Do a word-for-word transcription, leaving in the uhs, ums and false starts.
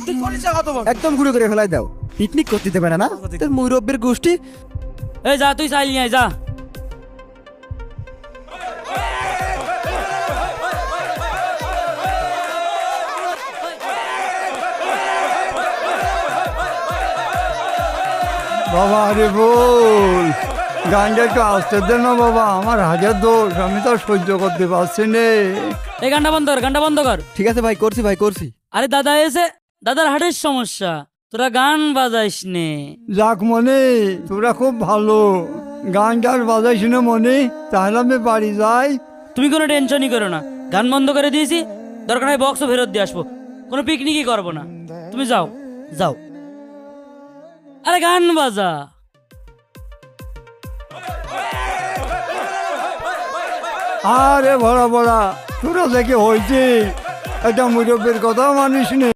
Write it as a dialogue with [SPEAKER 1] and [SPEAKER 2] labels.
[SPEAKER 1] তুই কলিজা কত বড়
[SPEAKER 2] একদম গুঁড়ো করে ফেলাই দাও, পিকনিক করতে দেবে না না তোর মুরব্বের গোষ্ঠী।
[SPEAKER 3] এই যা তুই চাইলি আয় যা।
[SPEAKER 4] বাবা আরে বল, গানটা একটু আসতে দে না বাবা, আমার হাজার দোষ, আমি তো আর সহ্য করতে পারছি নে।
[SPEAKER 3] এই গানটা বন্ধ কর, গানটা বন্ধ কর।
[SPEAKER 2] ঠিক আছে ভাই, করছি ভাই করছি।
[SPEAKER 3] আরে দাদা এসে, দাদার হার্টের সমস্যা, তোরা গান বাজাইস নে।
[SPEAKER 4] যাক মনে, তোরা খুব ভালো, গান গান বাজাইস না মনে, তাহলে আমি বাড়ি যাই।
[SPEAKER 3] তুমি কোনো টেনশনই করো না, গান বন্ধ করে দিয়েছি, দরকার হয় বক্সও ফেরত দিয়ে আসবো, কোনো পিকনিকই করবো না। তুমি যাও যাও, আরে গান বাজা।
[SPEAKER 4] আরে ভরা ভরা, তোরা দেখে হয়েছে, একটা মুরব্বের কথা মানিস নে।